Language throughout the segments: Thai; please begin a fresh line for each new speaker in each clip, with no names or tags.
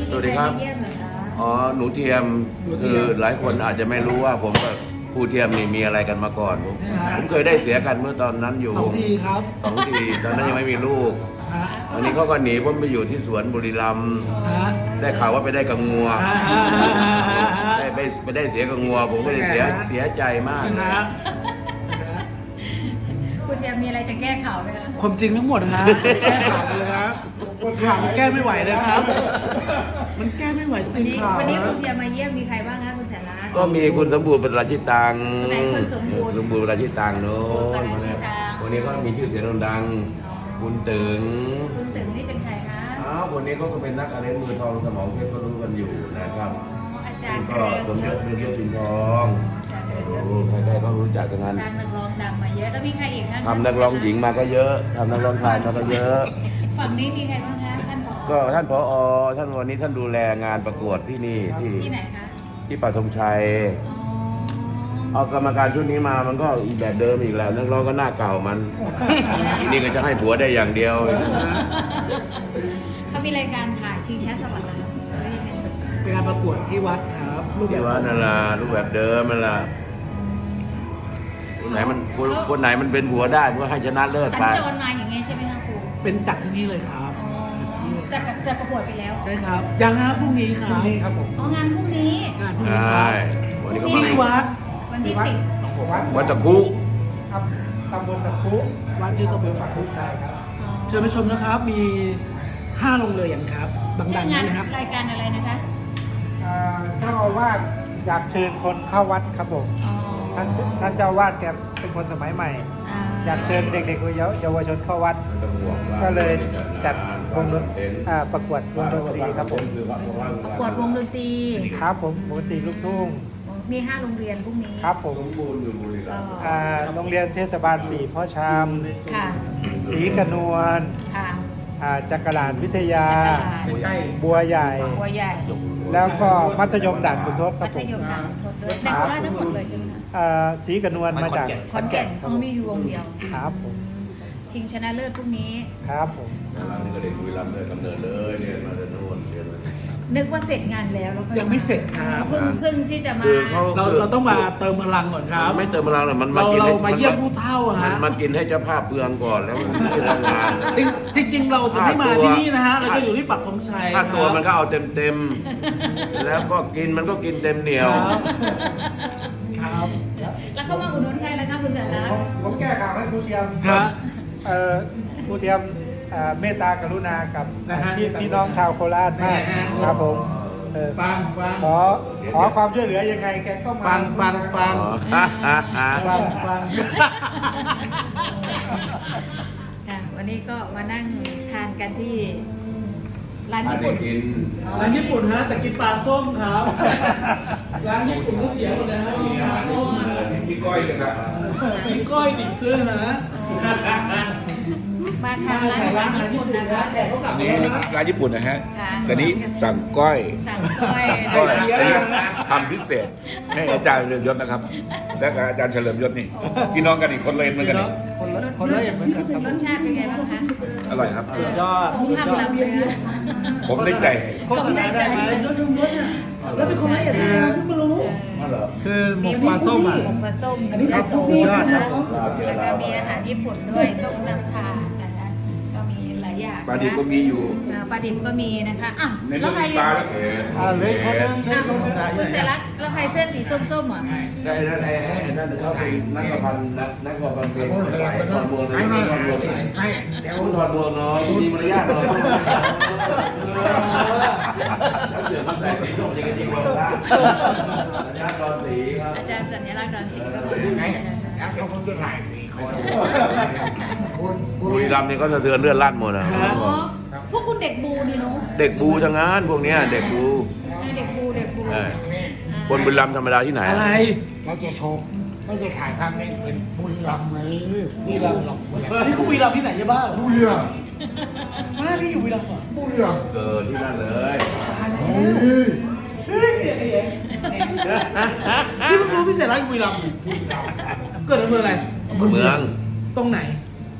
นี้มีใครมาเยี่ยมเหรอคะ
อ๋อหนูเทียมคือหลายคนอาจจะไม่รู้ว่าผมกับครูเทียมนี่มีอะไรกันมาก่อนผมเคยได้เสียกันเมื่อตอนนั้นอยู่
2 ทีครับ
2 ทีตอนนั้นยังไม่มีลูก
ฮะ
ตอนนี้เขาก็หนีผมไปอยู่ที่สวนบุรีรัมย์
ฮะ
ได้ข่าวว่าไปได้กับงัว
ฮะ
ไปได้เสียกับงัวผมก็เลยเสียใจมาก
ฮะ
คุณเทียมมีอะไรจะแก้ข่าวไหมคะ
ความจริงทั้งหมดฮะแก้ข่าวเลยครับข่าวมันแก้ไม่ไหวนะครับ มันแก้ไม่ไหว
วั
จ
น
ริง
นี้
ข่าว
วันนี้คุณเทียมมาเยี่ยมมีใครบ้างคะคุณแสนรัตน์
ก็มีคุณสมบูรณ์ประราชิตัง
คนไหนคนสมบูรณ์
ประราชิตังโน้น
ประราชิตัง
คนนี้ก็มีชื่อเสียงดังคุณตึง
คุณตึงนี่เป็นใครคะ
อ้าวคนนี้ก็เป็นนักอะไรมือทองสมองเพชรก็รู้กันอยู่นะครับ
อาจารย์
ก็สมยศเรืองยศสิงห์ทอง
อาจารย์เรืองยศ
โอ้ใครๆก็รู้จักกันนั้น
ทางนักร้องดังมาเยอะแล้วมีใครอีกคะ
ทำนักร้องหญิงมาก็เยอะทำนักร้องชายมาก็เยอะ
ฝั่งนี้มีใครบ้างคะท่านผอ
ก็ท่านผอท่านวันนี้ท่านดูแลงานประกวดที่นี่ที่
ที่ไหนคะ
ที่ปัทธงชัย
อ๋อ
เอากรรมการชุดนี้มามันก็อีกแบบเดิมอีกแล้วนักร้องก็หน้าเก่ามันทีนี้ก็จะให้ผัวได้อย่างเดียว
เขามีรายการถ่ายชิงช้าสวรรค์แล้วหรือยังไง
เป็นการประกวดที่วัดครับรูปแบ
ที่
บ
ว่านั่นล่ะรูปแบบเดิมนั่นล่ะคนไหนมันเป็นผัวได้ก็ให้ชนะเลิศ
สัญ
ไป
จรมาอย่างเงี้ยใช่ไหมคะครู
เป็นจัดที่นี่เลยครับ
อ๋อจะประกวดไปแล้ว
ใช่ครับ ยังครับพรุ่งนี้ครับ
อ๋องานพรุ่งนี้
งานพรุ่ง
ใช
นี้ครับ
่วันนี้ก็
ที่
มา
วัด
วันที่ 10
วัดตะคุ
ครับตำบลตะคุ
วัดที่ตำบลตะคุครับเชิญไปชมนะครับ มี5โรงเรียนครับ
ชื่
ดั
อง
ๆ
งาน
นี้นะครับ
รายการอะไรนะคะ
เจ้าอาวาสอยากเชิญคนเข้าวัดครับผม
อ๋อ
ท่านเจ้าอาวาสแกเป็นคนสมัยใหม่ อยากเชิญเด็กๆเยาวชนเข้าวัด ก็เลยจัดวงดนตรีประกวดวงดนตรีครับผม
ประกวดวงดนตรี
ครับผมวงดนตรีลูกทุ่ง
มี5โรงเรียนพรุ่งนี้
ครับผม
ก็
โรงเรียนเทศบาล4พ่อชาม
ค่ะ
ศรีกระนวล
ค่ะ
จักรลานวิทยา
จักรลาน
บัวใหญ่
บัวใหญ่
แล้วก็มัธยมด่านขุนทดค
มั
รับผ
ธ
ม
ยมด่านขุนทดด้วยในโคราชทั้งหมดเลยใช่ไหมคะ
ศรีกระนวลมาจาก
ขอนแก่นเขามีอยู่วงเดียว
ครับผม
ชิงชนะเลิศพรุ่งนี้
ครับผม
นี่ก็เด็กบุรีรัมย์เลยกำเนิดเลยเรียนมาจากโน่นเรียนมา
นึกว่าเสร็จงานแล้วแล้วก็
ยังไม่เสร็จครับ
เพิ่งที่จะมา
คือเขา
เราต้องมาเติมพลังก่อนครับ
ไม่เติมพลังหรอกมันมา
เรา
กิน
เรา
ให้
มาเยี่ยมผู้เฒ่า
มัน
ฮะ
มากินให้เจ้าภาพเปลืองก่อนแล้วมันไม่ได้งาน
จริงๆ เราจะไม่มาที่นี่นะฮะ เราจะอยู่ที่ปักธงชัย
ถ้าตัว
ครับ
มันก็เอาเต็มๆแล้วก็กินมันก็กินเต็มเหนียว
ครับ
แล้วเข้ามาอุดหนุนใครแล้วคะคุณจันรัตน์
ผมแก้ข่าวให้ครูเทียม
ฮะ
ครูเทียมเมตตากรุณากับ
นะฮะ
พี่น้องชาวโคราชมาก
นะฮะ
ครับผม
ฟัง
ขอความช่วยเหลือยังไงแกก็มา
ฟัง
อ๋อ
ฟัง
ค่ะวันนี้ก็มานั่งทานกันที่ร้าน
ถ้า
ญี่
ได้
ปุ่น
กิน
ร้านญี่ปุ่นฮะ แต่กินปลาส้มครับ ร้านญี่ปุ่นก็เสียหมดเลยครับมีปลาส้มนะ
กินก้อยกันครับ
มีก้อยดิบด้วยฮะ
มาทานร้านอาหารญี่ปุ่นนะคะ
แขกเขากลับ
อัน
มา
นี้
แล้วนะ
ร้านญี่ปุ่นนะฮะ
ค่ะ
แต่นี้สั่งก้อย
สั่งก้อย
ก้อย
นะคะ
อันนี้ทำพิเศษให้อาจารย์เฉลิมยศนะครับ และกับอาจารย์เฉลิมยศนี่
โอ้
พี่น้องกันอีกคนเลยเหมือนกันนี่
คนละอย่างเหมือนกันครับ
รสชาติเป็นไงบ้างคะ
อร่อยครับ
สุดยอด
ผมทำลำเนื้อ
ผมได้ใจ
โฆษณาได้ไหมยศเนี่ยแล้วเป็นคนละเอียดเลยเพิ่งมารู้
คือหมกปลาส้มอ่ะ
หมกปลาส้ม
อันนี้
ปลาส้ม
สุดยอด
นะ
ครั
คะ
บ
แล้วก็มีอาหารญี่ปุ่นด้วยส้มตำถาดนะคะก็มีหลายอย่าง
ปลาดิบก็มีอยู่
ปลาดิบก็มีนะคะอ้าว
ใน
แล้
เรื่
ว
อง
ใคร
ปลาแล้ว
เลยคนนึง
อ้าวคุณเสรักแล้วใครเสื้อสีส้มๆอ่ะ
ได้นั่นไอ้นั่นเขาเป็นนักกพันนักกพันเป็นถอดหมวกเลยถอดหมวกให้เดี๋ยวถอดหมวกเนาะมีมารยาทเนาะแล้วเสือมันใส่สีส้มจะกันดีกว่าล่ะอาจารย์ตอนสีครับ
อาจารย์สัญลักษณ์ดอนศรีก็มานะคะ
แล้วผมจะถ่ายสีคน
บุรีรัมย์นี่ก็สะเทือนเลือดลั่นหมดนะ
อ๋อพวกคุณเด็กบูนี่เนาะ
เด็กบูทั้งนั้นพวกเนี้ยเด็กบู
เด็กบูเด็กบู
เออคนบุรีรัมย์ธรรมดาที่ไหน
อะไร
เราจะโชว์ไม่จะถ่ายภาพนี้เป็นบุรีรัมย์เลยบุรีรัมย์หรอก
อันนี้คือวีรัมย์ที่ไหนใช่บ้า
บุรีรัมย์
ไม่พี่อยู่วีรัมย์เหรอ
บุรีรัมย์
เกิดที่นั่นเลย
พี่เพิ่งรู้พี่เสร็จแล้วอยู่วีรัมย์เกิดอำเภออะไร
เมือง
ตรงไหน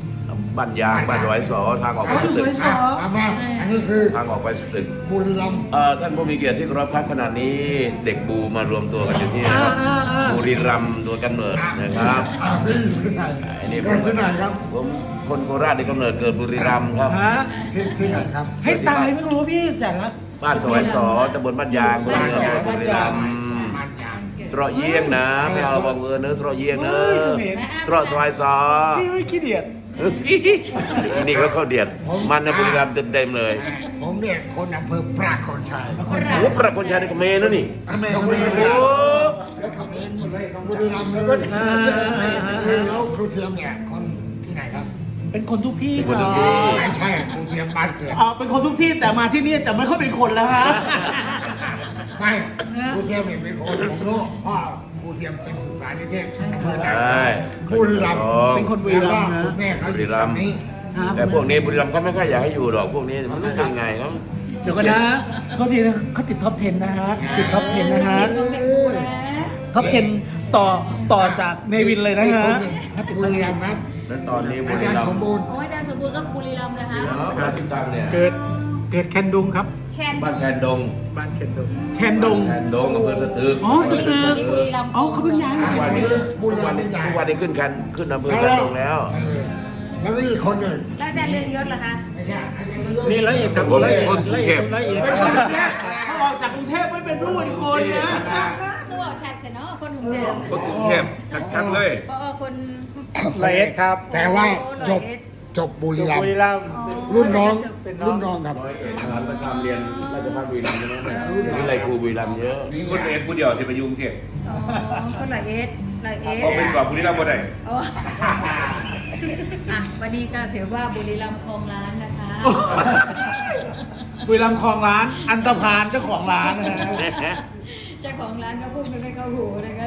บ้านยางบ้านร้อยสอทางออกไป
อ๋ออยู่
ตึ
ซ
ก
อยสอง
เอามาอันนี้คือ
ทางออกไปตึก
บุรีรัมย์
ท่านผู้มีเกียรติที่เคารพครับขณะนี้เด็กบูมารวมตัวกันอยู่ที่นะครับบุรีรัมย์ตัวกำเนิดนะครับ
พี่อยู่ที่ไหน
อันนี้
เกิดที่ไหนครับ
ผมคนโคราชที่กำเนิดเกิดบุรีรัมย์ครับ
ฮะ
ที่ไหนครับ
ให้ตายไม่รู้พี่แสนละ
บ้านซอยสอตำบลบ้านยางบุรีรัมย์บุรีรัมย์
มันยาง
ตรอเยี่ยงนะไม่เอาบังเอิญเนื้อตรอเยี่ยงเนื้
เฮ้ย
อ
เขมร
ตรอซอยสอ
พี่เฮ้ยขี้เดียด
นี่ก็เข้าเดียดมันนะบุรีรัมย์เต็มๆเลย
ผมเนี่ยคนอำเภอปรากฏชัย
โอ้ประคนชัยในเขมรนะนี่
เขมรบุรีรัม
โอ้
ย์บุรีรัมย์เลยแล้วครูเทียมเนี่ยคนที่ไหนครับ
เป็นคนทุกที่
คน
ค
ทุ
รั
ก
บ
ที่
ไม่ใช่ครูเทียมบ้านเกิด
อ๋อเป็นคนทุกที่แต่มาที่นี่จะไม่ค่อยเป็นคนแล้วฮะ
ไม่ครูเทียมเนี่ยเป็นคนผมรู้เพ่อครูเทียมเป็นศึกษานิเทศอำเภอ
ใช
นา
่
บุรีรัมย์
เป็นคนบุรีรัมย์นะ
คุณแม่เขาอยู่ตรงนี้
ครับ
แต่พวกนี้บุรีรัมย์ก็ไม่ค่อยอยากให้อยู่หรอกพวกนี้มันรู้ยังไงครับ
เดี๋ยวกันนะเขาทีนะเขาติดท็อป 10 นะฮะ ติดท็อป 10 นะฮะ ท็อป 10 ต่อจากเนวินเลยนะฮะ
บุรีรัมย์ครับ
แล้วตอนนี้บุ
อา
รี
จารย์
รัม
สม
ย์
บูรณ์
โอ้ยอาจารย์สมบูรณ์ก็บุรีรัมย์นะคะ
เนาะบ้านติดตังเนี่ย
เกิดแคนดุงครับ
แคน
บ้านแคนดง
บ้านแคนดุง
แคนดง
แคนดงอำเภอสตึก
อ๋อสตึก
นี่บุรีรัมย์
อ๋อเขาเพิ่งย้ายมา
ทุกวันนี้
บุรี
ทุก
รั
วัน
มย์
นี้
ใหญ่
ทุกวันนี้ขึ้นอำเภอแคนดงแล้ว
แล้วนี่คนหนึ่ง
แล้วอาจารย์เรืองยศล่ะคะ
นี่ละเอียดครับ
ผม
ละเอียด
คนกรุงเทพ
ละเอียด
เป็นคนกรุงเทพเขาออกจากกรุงเทพไม่เป็นผู้เป็นคนนะ
ตัวชัดกันเนาะคนหุ่นเดิม
คนกรุงเทพชัดๆเลย
ปอคน
ละเอียดครับ
แต่ว่าจบบุรีรัม
บุ
ย์
รีรัมย์
รุ่นน้อง
เป็นน้อง
รุ่นน้องครับ
ร้อยเอกทหารประจำเรียนราชภัฏบุรีรัมย์ใช่ไหมวิไลครูบุรีรัมย์เยอะ
มีคนเอกผู้เดียวที่ไปอยุ่กรุงเทพ
อ๋อคนละเอสละเอส
พอไปสอบบุรีรัมย์บ่ได้
โอ้อ่ะวันนี้ก็ถือว่าบุรีรัมย์ครองร้านนะคะ
บุรีรัมย์คลองร้าน อันตพานเจ้าของร้านนะฮะ
เจ้าของร้านก็พูดไม่เข้าหูนะคะ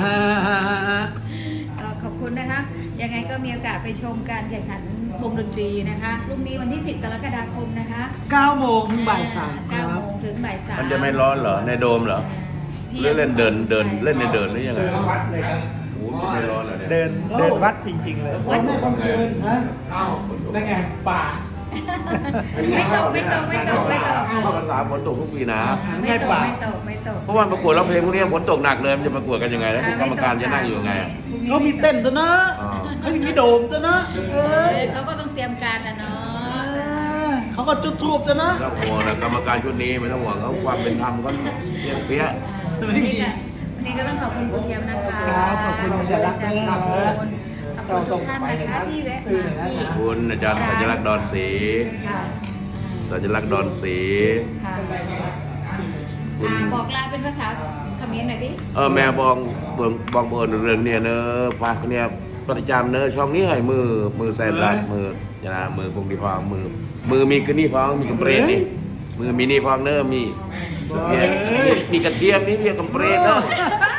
ขอบคุณนะคะ ยังไงก็มีโอกาสไปชมการแข่งขันวงดนตรีนะคะพรุ่งนี้วันที่ 10 กรกฎาคมนะคะ
9 โมงถึงบ่าย 3 ค
9
รับ
โมงถึงบ่าย 3
มันจะไม่ร้อนเหรอในโดมเหรอหรือเล่นเดินเล่นในเดินหรือยังไงโอ้โหไม่ร้อนเหรอเนี่ย
เดินวัดจริงๆเลย
วันนี้กลางคืนฮะนั่นไง ป่า
ไม่ตก
เข้าพรรษาฝนตกทุกปีนะ
ไม่ตก
เพราะว่าประกวดร้องเพลงพวกนี้ฝนตกหนักเลยมันจะประกวดกันยังไงแล้วกรรมการจะนั่งอยู่ยังไง
เขามีเต้นตัวนะ
อ๋อ
เขามีโดมตัวนะย
เขาก็ต้องเตรียมการนะเนาะ
เขาก็จุดทูบตัวนะ
ไม่ต้องห่วงนะกรรมการชุดนี้ไม่ต้องห่วงเขาความเป็นธรรมเขาเพียงเปี้ย
วันนี้ก็ต้องขอบคุณคุณเทียมนะคะ
ครับขอบคุณเสียรักด้วยนะครับ
ขอบคุณทุกท่านนะคะที่แวะมาที่
คุณอาจารย์สัญลักษณ์ดอนศรี
ค่ะ
สัญลักษณ์ดอนศรี
ค่ะบอกลาเป็นภาษาเขมรหน่อยดิ
แม่บองเบิร์นเรื่องเนี่ยเนอะฝากเนี่ยประจำเนอะช่องนี้ให้มือใส่รัดมือจะมือคงดีพองมือมีกระนี่พองมีกระเปรตนี่มือมีนี่พองเนอะมีกระเทียมนี่เรียกกระเปรตเนอะ